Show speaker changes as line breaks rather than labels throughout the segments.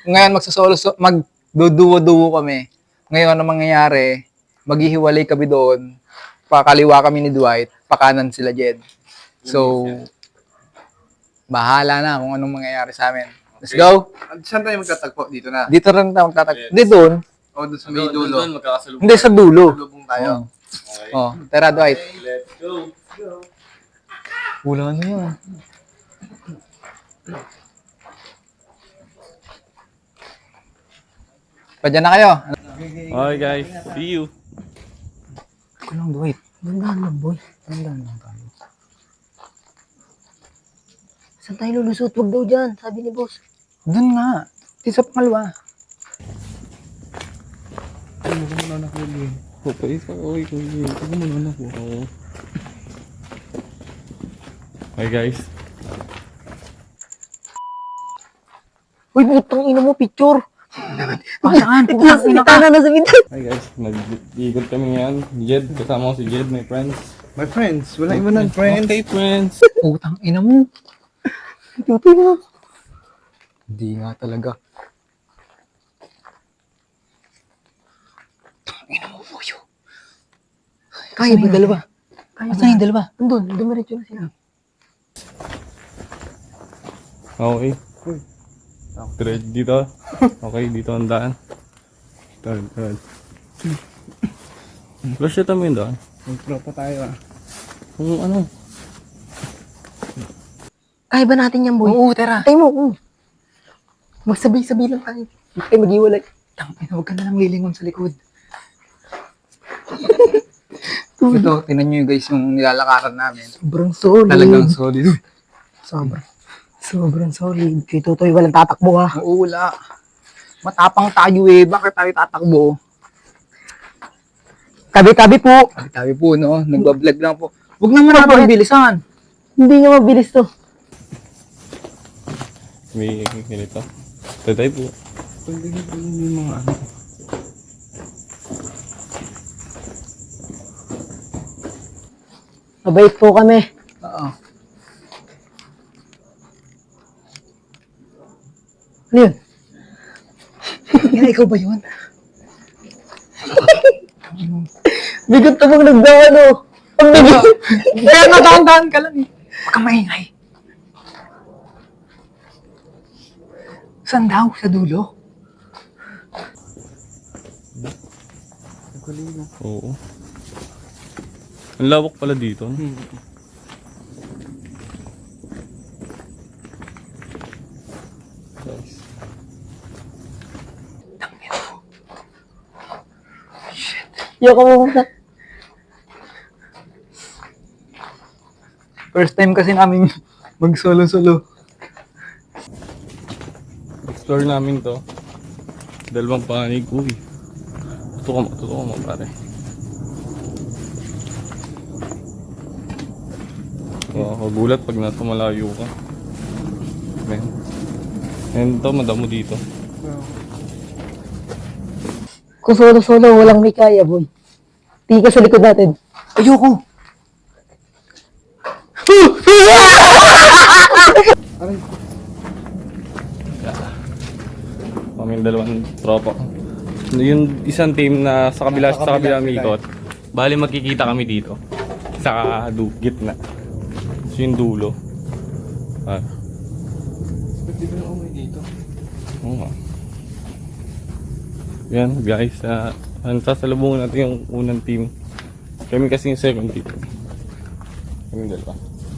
Ngayon magduduwo-duwo kami. Ngayon, ang mangyayari, maghihiwalay kami doon. Pakaliwa kami ni Dwight, pakanan sila Jed. So, bahala na kung anong mangyayari sa amin. Let's go!
Saan tayo magtatagpo? Dito na?
Dito rin tayo magtatag. Hindi doon.
O, doon sa may dulo.
Doon, magkakasalubong.
Hindi sa dulo.
Lubong tayo.
Okay.
Oh, tara Dwight.
Let's go.
Wala na yun. Padyan na kayo.
Okay guys, see you.
Ako lang Dwight.
Dandan lang, boy.
Tandaan lang tayo.
Saan tayo lulusot? Huwag daw dyan, sabi ni boss.
Doon nga. Di sa pangalawa.
Hi guys.
Uy, putang ina mo, picture.
Saan?
Kita na nasa bintay.
Hi guys, nag-iikot kami ngayon. Jed, kasama ko si Jed, my friends.
My friends, wala iba ng friends.
Okay, friends.
Putang ina mo.
Tutoy na.
Hindi nga talaga. Ina mo, boyo.
Kaya ba dalawa?
Asan yung dalawa?
Andun, dumiretso na sila.
Okay. Diretso dito. Okay, dito ang daan. Turn. Flash ito mo yung daan.
Magtropa tayo ah.
Kung ano.
Kaya ba natin yan, boy?
Oo, tara.
Tayo mo, magsabay-sabay lang tayo. Huwag tayo mag-iwalay.
Tangina, huwag ka na lang lilingon sa likod. Ito, tinan nyo guys yung nilalakaran namin.
Sobrang solid.
Talagang solid.
Sobrang solid. Kay Totoy, walang tatakbo ha.
Oo, wala. Matapang tayo eh. Bakit tayo tatakbo?
Tabi-tabi po.
Tabi po, no? Nagbablog lang po. Huwag naman natin bilisan.
Hindi nga mabilis to.
May ganito. Tatay po.
Pwede po yung mga ano.
Mabait po kami.
Oo.
Ano yun?
Ina, ikaw ba yun?
Bigot na pag nagdaan oh. Ang bigot.
Kaya nadahan-dahan ka lang eh. Huwag kang maingay. Saan daw? Sa dulo?
Oo. Ang lawak pala dito. Guys.
Yoko mo muna.
First time kasi namin mag-solo-solo.
Explore namin to. Dalawang panig. Uy. Tutok mo pare. Gulat pag nasa malayo ka. Men. And to, madamo dito.
Kung solo-solo, walang may kaya, boy. Tingin ka sa likod natin.
Ayoko!
Kami dalawang tropa. Yung isang team na sa kabila mikot. Bali magkikita kami dito. Sa gitna. So yung dulo.
Pwede ba na umay dito?
Oo nga. Yan guys, sasalubungin natin yung unang team. Kami kasi yung second team. Kami dalawa.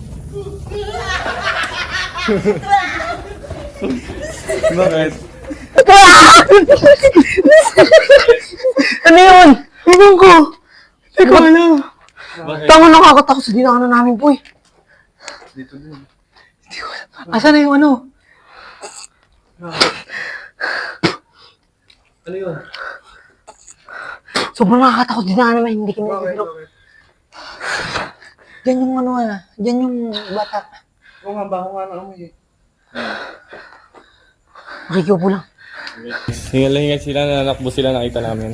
Bakit?
Ano yun? Ewan ko. Ikaw alam.
Bakit?
Tango nakakatakot sa dinaanan namin, boy.
Dito din.
Asan na yung ano?
Ano yun?
Sobrang nakakatakot dinaanan namin. Hindi kami
Bakit?
nagpilok.
Bakit?
Diyan yung ano diyan yung bata.
Oo nga, baka nga na umay eh.
Makikiupo lang.
Hingal-hingal sila, nanakbo sila, nakita namin.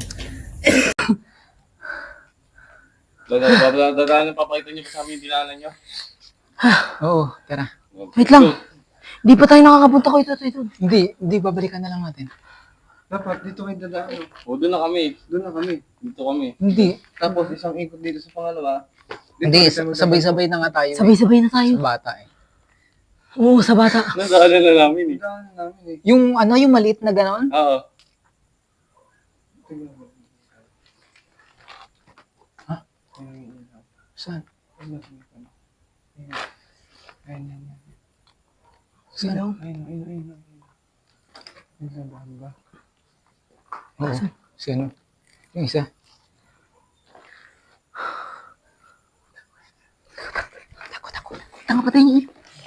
Dadaan, papakita niyo pa sa amin yung dinaanan niyo.
Oo, tara.
Wait lang. Di pa tayo nakakapunta ko ito.
Hindi, babalikan na lang natin.
Dapat dito kayo dadaan.
O, doon na kami.
Doon na kami.
Dito kami.
Hindi.
Tapos isang ikot dito sa pangalawa. Dito
Hindi,
ulit tayo magdadaan.
sabay-sabay na nga tayo.
Sabay-sabay na tayo.
Sa bata eh.
Oo, sa bata.
Nadaanan na namin eh.
Dadaan namin eh.
Yung yung maliit na gano'n?
Oo.
Tingnan mo.
Ha?
Ayun, ayun, ayun.
Saan?
Ayun, ayun, ayun. Ayun, ayun, ayun.
Saan?
Ayun, ayun, ayun, ayun. Ayun, sa bahan ba?
Oo. Sino? Yung isa.
Tanga pa tayo niyo.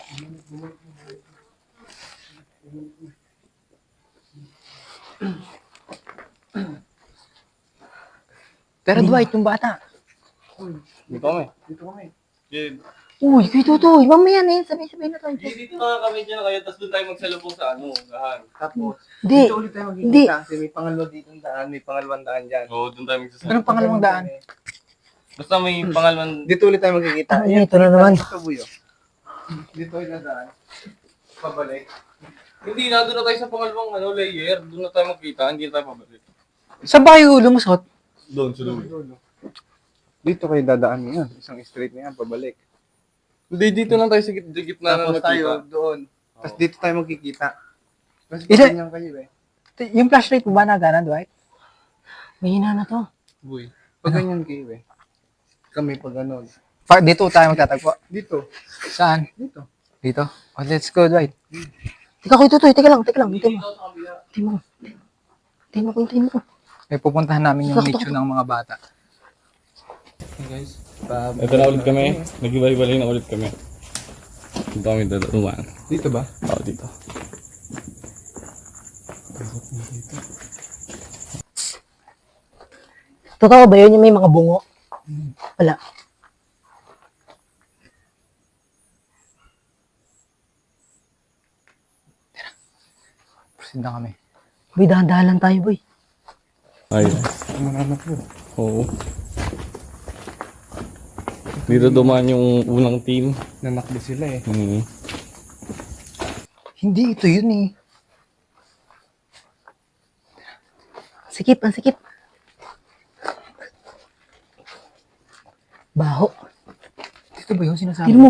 Pero Dwight, yung bata.
Dito kami.
Dito kami.
Jed.
Uy, kayo Totoy. Mamaya na yun. Sabay-sabay na tayo.
Dito na kami dyan na kayo, tapos doon tayo magsalubong sa gahan.
Tapos,
Hindi.
dito ulit tayo
Hindi.
magkikita kasi may pangalawa dito daan, may pangalawang daan dyan.
Oo, doon tayo magsasalubong.
Anong pangalawang daan?
Basta may pangalman.
Dito ulit tayo magkikita.
Ay, ito na naman.
Ito, Buyo. Dito ulit na daan. Pabalik.
Hindi, nandun na tayo sa pangalawang layer. Doon na tayo magkita, hindi na tayo pabalik.
Saan ba kayo lumusot?
Doon, sa dulo.
Dito kayo dadaan ngayon. Isang straight na yan, pabalik.
Hindi, dito lang tayo sa gitna na
Tapos tayo
magkita.
doon. Tapos dito tayo magkikita. Kasi
Isa-
ganyan kayo eh.
Yung flashlight mo ba nagana, Dwight?
Mahina na to.
Buy.
Pag ganyan kayo eh. Kami pag ganon.
Dito tayo magtatagpo.
Dito.
Saan?
Dito.
Dito? Oh, let's go, Dwight.
Teka kayo Totoy. Teka lang. Hintayin mo. Hintayin mo.
May pupuntahan namin yung nicho ng mga bata.
Hey guys.
Ito na ulit kami. Nag-iba-ibalik na ulit kami. Dito kami dumaan.
Dito ba?
Oo, dito.
Totoo ba yun yung may mga bungo? Wala.
Proceed na kami.
Boy, dahan-dahan lang tayo, boy.
Ay.
Mananap mo.
Oo. Dito dumaan yung unang team.
Nanakbo sila eh.
Hindi, ito yun eh.
Sikip, ang sikip. Baho.
Dito ba yung sinasabi?
Tignan mo.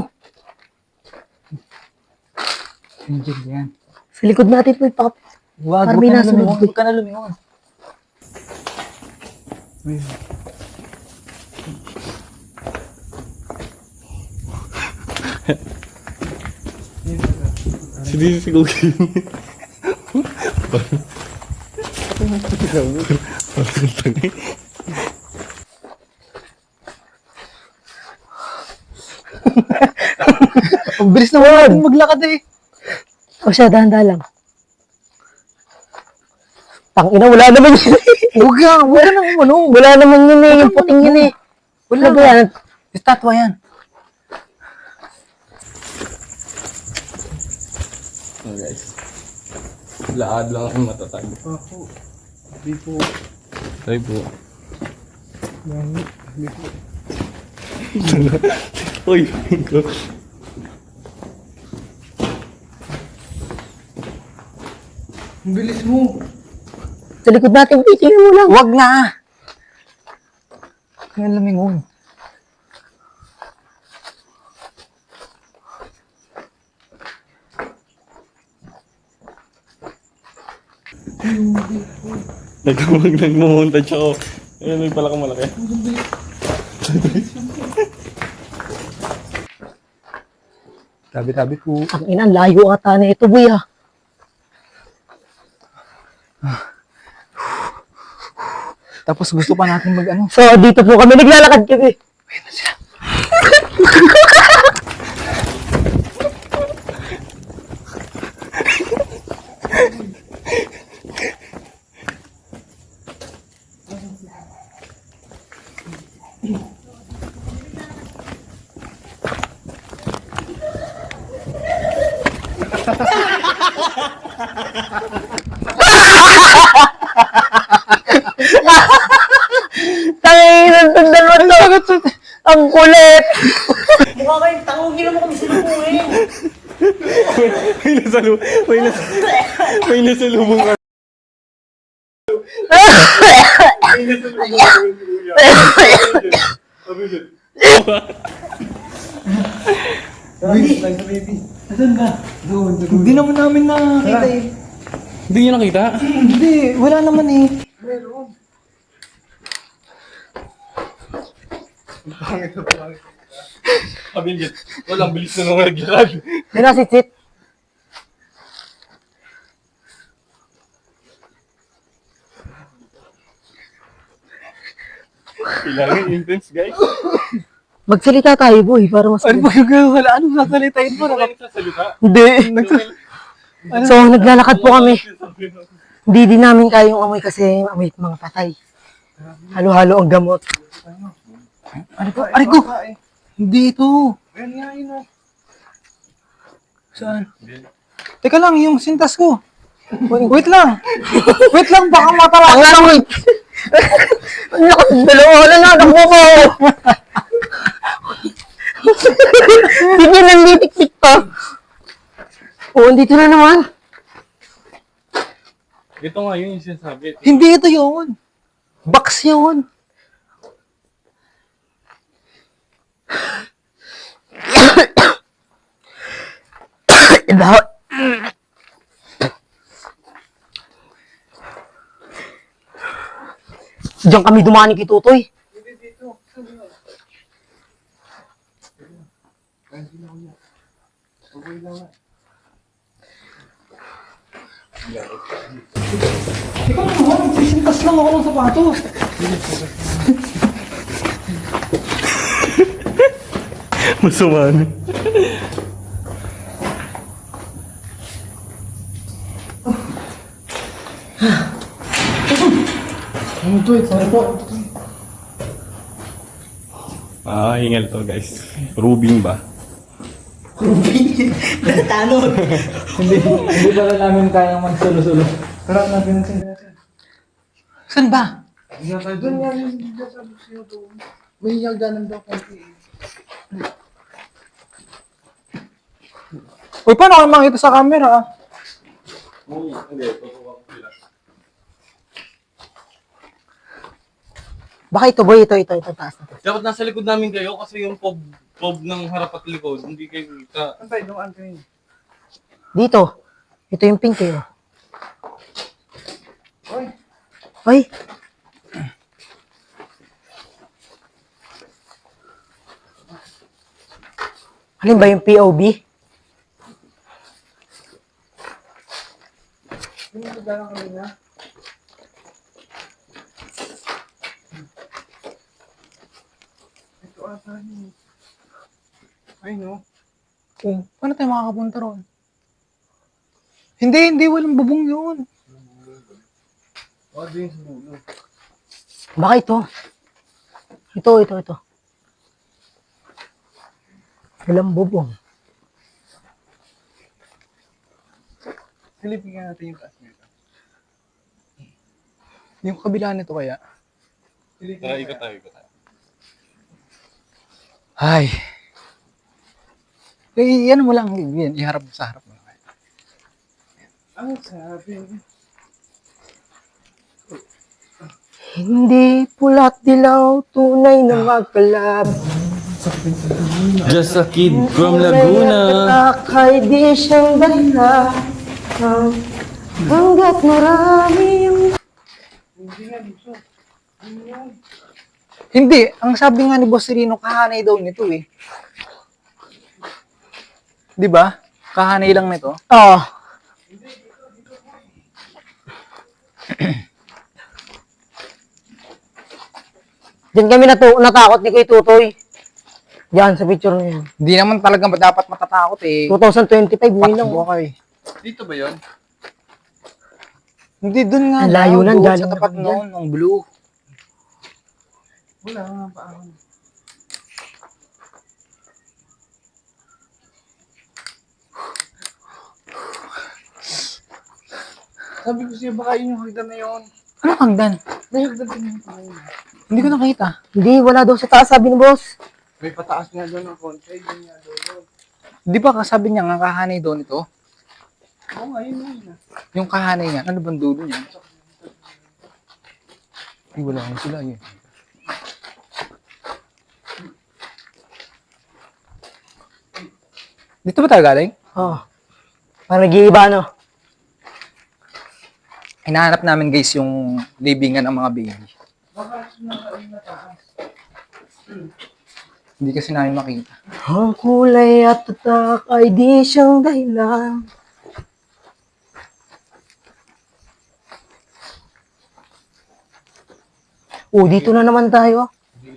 Hindi yan.
Sa likod natin, boy.
Wag,
Parang
huwag
may
ka na
nasunod,
lumingon.
boy.
Huwag ka na lumingon.
Hindi si Gogi.
Ang bilis na wala natin maglakad eh.
O siya, dahan-dahan lang. Tangina, wala naman yun.
Huwag ka nang
Wala naman yun eh. Yung puting yun eh.
Wala
Ano ba yan?
Estatwa yan.
Oh, guys. Laad lang ang matatag.
Ako. Di po.
Tayo po.
Di po.
Uy,
Ang bilis mo.
Sa likod natin, boy. Tingnan mo lang.
Huwag na. Huwag ka na lumingon.
nagmumontage ako. Ayun, may pala kang malaki.
Tabi-tabi po.
Ang ina, layo ata na ito, boy, ah.
Tapos gusto pa natin mag
So, dito po kami. Naglalakad kami. Tangin, nantundan mo to. Ang kulit. Mukha kayong tangugin mo kami sinubuhin.
may nasalubong ka.
Hindi naman namin nakakita eh.
Hindi nyo nakita?
Hindi, wala naman eh.
Pamilya. Walang bilis na nung nagyarag.
May nasitsit.
Kailangan intense, guys.
Magsalita tayo, boy, para mas...
Ano ba yung gano'n? Ano sasalitain mo?
Wala nagsasalita.
Hindi. So, naglalakad po kami. Hindi din namin kayong amoy kasi amoy mga patay. Halo-halo ang gamot.
Ano ba? Aray ko! Hindi ito.
Ayan nga yun o.
Saan? Teka lang, yung sintas ko. Wait lang. Wait lang, baka matala.
Ang amoy! Ang lakas ng dalawa na natakbo ko! Hindi niya nanditik-tik pa. Oo, dito na naman.
Ito nga yun yung sinasabi.
Hindi ito yun. Box yun.
Iba. Diyan kami dumani kay Tutoy.
Ikaw naman, nagsisintas lang ako ng sapatos.
Masuman.
Ano to? Sorry po.
Hingal to, guys. Rubing ba?
Hindi pala namin kayang magsulo-sulo.
Tara natin natin.
Saan ba?
Doon nga yung sabi sa'yo doon. May hiyaganan daw konti eh.
Uy, paano kayo makita sa camera ah?
Hindi, tutuwa ko sila.
Baka ito, boy. Ito, taas na to.
Dapat nasa likod namin kayo kasi yung pob ng harap at likod, hindi kayo kita.
Antay, doon antay.
Dito. Ito yung pink eh. Oh.
Oy,
Ay. Alin ba yung POV?
yung hiyaganan kami na. Ito ata yun. Ay no.
Oh, paano tayo makakapunta ron? Hindi, walang bubong yun.
Wala din sa dulo.
Baka ito. Ito. Walang bubong.
Silipin nga natin yung taas nito.
Yung kabila nito kaya.
Silipin
Tara,
nga.
ikot tayo.
Ay. Eh, yan mo lang. Yan, iharap mo sa harap mo.
Ang sabi.
Hindi pula't dilaw, tunay na magkalab.
Just a kid from
Akay di siyang dala. Hanggat marami yung...
Hindi nga dito.
Hindi, ang sabi nga ni Boss Rino, kahanay daw nito eh. Di ba? Kahanay lang nito.
Oo. Diyan kami natakot ni Kuya Tutoy. Diyan sa picture na yan.
Hindi naman talaga dapat matatakot eh.
2025, may lang.
Pakbo kayo.
Dito ba yun?
Hindi, dun nga.
Ang layo
daw,
nan,
doon
galing
sa tapat
naman
noon, ng blue.
Wala nga pa ako. Sabi ko siya, baka yun yung hagdan na yun.
Ano hagdan?
May hagdan din yung tayo.
Hindi ko nakita.
Hindi, wala daw sa taas, sabi ni boss.
May pataas nga doon ng konti. Yun nga doon.
Di ba kasabi niya nga kahanay daw nito?
Oo nga, yun yun.
Yung kahanay nga, ano bang dulo niya? Ay, wala akong sila yun. Dito ba tayo galing?
Oo. Parang nag-iiba, no?
Hinahanap namin guys yung libingan ng mga baby.
Baka nasa na taas.
Hindi kasi namin makita.
Ang kulay at tatak ay di siyang dahilan. Oh, dito na naman tayo.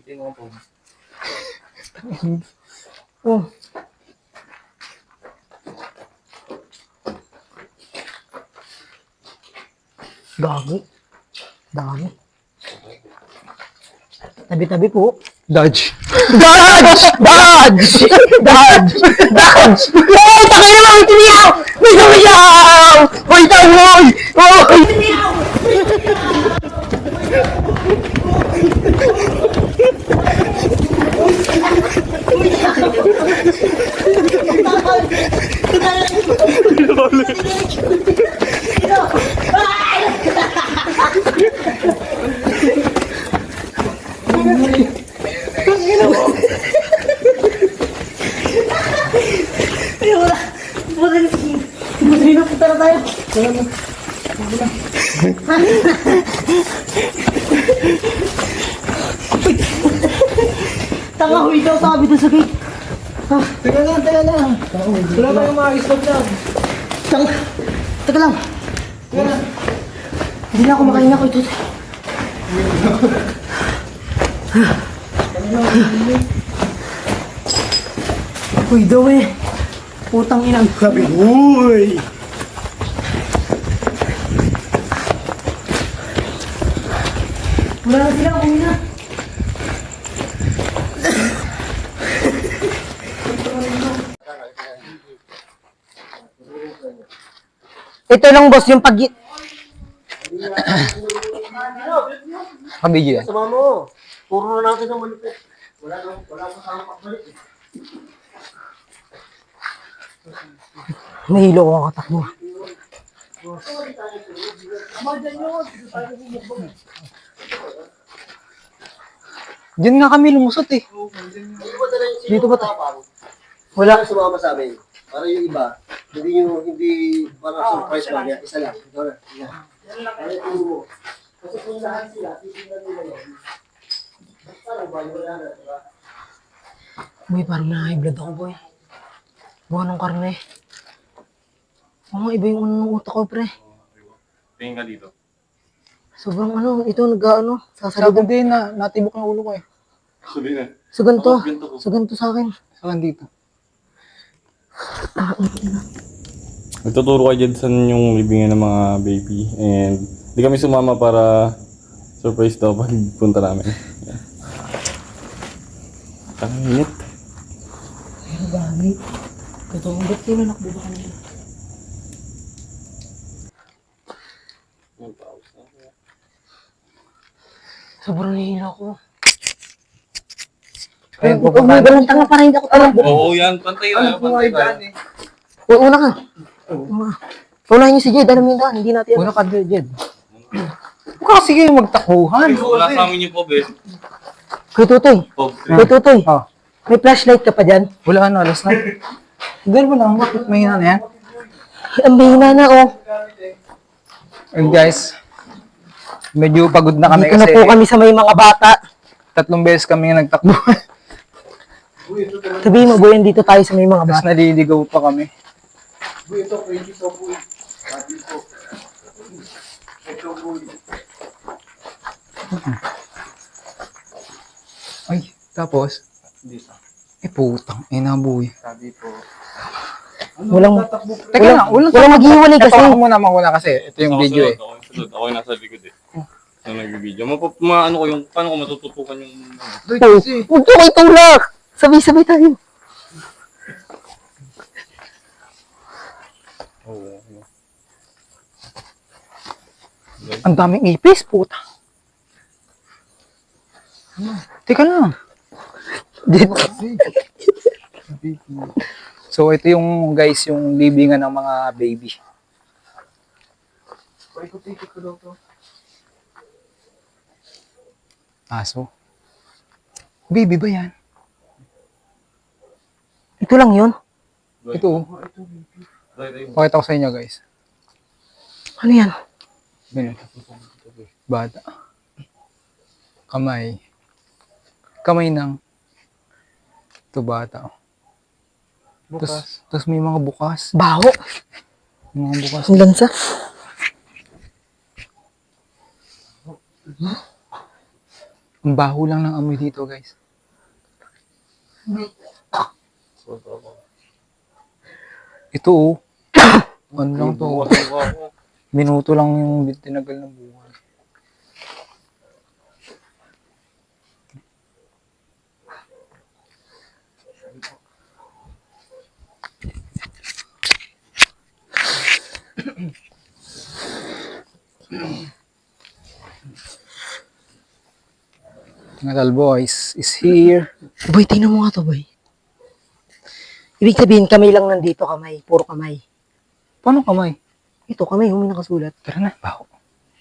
Oh. Dami. Dami. Tabi-tabi po.
Dodge.
Dodge! Dodge! Dodge! Dodge! Oh, takay naman! May tumiyaw! May tumiyaw! Hoy, tawoy! Hoy! Tanga, huy daw sabi doon sa gate.
Teka lang. Wala tayong makakistop na.
Tanga. Teka lang. Hindi na ako makain ako ito. Huy daw eh. Putang ina. Sabi, huy! Wala na sila, uwi na. Ito lang boss, yung pag...
Kabigyan.
Sama mo. Puro na natin ang malupit. Wala pa sa pagbalik.
Nahilo ko ang katakbo.
Diyan nga kami lumusot eh.
Dito ba tayo?
Wala.
Sumama sa amin. Para yung iba, hindi parang surprise ba niya. Isa lang. Ito na. Yan lang kayo. Kasi kung lahat sila, titignan nila yun. Parang bayo na na, diba?
Boy, parang na-high blood ako, boy. Buka ng karne. Oo nga, iba yung ano ng utak ko, pre.
Tingin ka dito.
Sobrang ano, ito nag-ano,
Sabi
sasalubong.
din na natibok ng ulo ko eh.
Sabi na.
Sa ganito. Sa ganito sa akin.
Saan dito?
Nagtuturo kayo dyan saan yung libingan ng mga baby. And hindi kami sumama para surprise daw pag punta namin. Yan. Ang init.
Pero gagi. Ito, ba't kayo nakbo ba kanina? Sobrang nahihila ko.
Ayun,
Huwag mo ganun tanga para hindi ako tumakbo.
Oo, yan. Pantay tayo. Pantay tayo.
Uy, una ka. Una. Unahin niyo si Jed, alam niyo yung daan, hindi natin
Una ka, Jed. Huwag kasi kayo magtakuhan.
Wala sa amin yung pobe.
Kuya Tutoy.
Pobe.
Kuya Tutoy.
Oh,
May flashlight ka pa dyan?
wala na, alas na. Ganun mo lang, bakit may na yan?
Ang bihina na, oh.
Ayun guys, medyo pagod na kami
Dito na
kasi
po kami sa may mga bata.
3 beses kami nagtakbo.
Sabihin mo, Boy, dito tayo sa may mga
Tapos
bata.
naliligaw pa kami.
Ito, pwede ito po. Sabi po. Ito po.
Ay, tapos, putang, inabuhi.
Sabi po.
Walang,
Teka lang,
walang maghiwalay kasi.
Ako muna kasi ito yung video eh.
Ako yung sunod. Ako yung nasa likod eh. Sa nag-video. Maano ko yung, paano ko matututukan yung...
Oh, huwag to kayo tulak. Sabay-sabay tayo.
Oo.
Ang daming ipis, puta. Teka lang. So ito yung guys, yung libingan ng mga baby. Paikot-ikot ko daw to. Aso. Baby ba yan?
Ito lang yun.
Ito. Oh. Pakita ko sa inyo guys.
Ano yan?
Ganun. Bata. Kamay. Kamay ng ito bata. Bukas. Tapos may mga bukas.
Baho.
May mga bukas.
Ang lansa.
Ang baho lang ng amoy dito guys. Ito oh. Ano lang to? Minuto lang yung tinagal ng buhay. Metal Boys is here.
Boy, tingnan mo nga to, boy. Ibig sabihin, kamay lang nandito, kamay. Puro kamay.
Paano kamay?
Ito, kamay, may nakasulat.
Tara na, baho.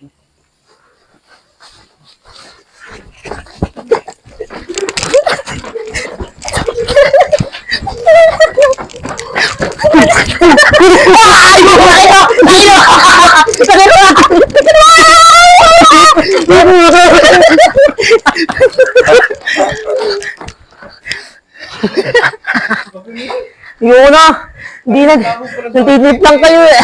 Yun na! Hindi nagtitip lang kayo eh.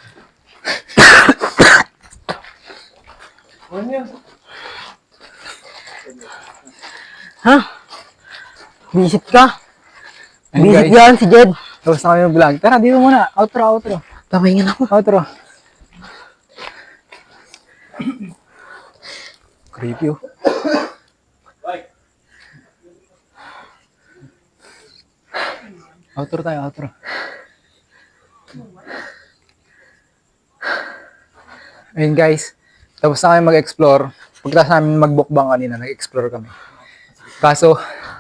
Ha? Visit ka?
Ayun,
Visit
guys.
yan si Jed.
Tapos na kami yung vlog. Tara, dito muna. Outro.
Papahingan ako.
Outro. Creepy oh. Outro. Ayun guys, tapos na kami mag-explore. Pagkatapos namin magbukbang kanina, nag-explore kami. Kaso,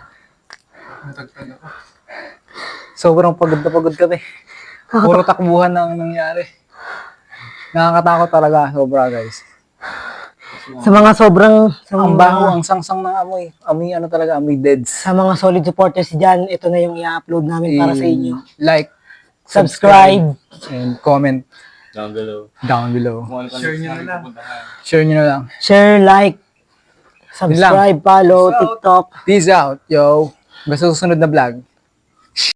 sobrang pagod na pagod kami. Puro takbuhan ang nangyari. Nakakatakot talaga, sobra guys.
Sa mga sobrang...
Ang baho, ang sangsang ng amoy. Amoy ano talaga, amoy deads.
Sa mga solid supporters dyan, ito na yung i-upload namin para sa inyo.
Like,
Subscribe.
and comment
Down below.
down below.
Share nyo na lang.
Share nyo na lang.
Share, like, subscribe, follow, TikTok.
Peace out, yo. Basta susunod na vlog.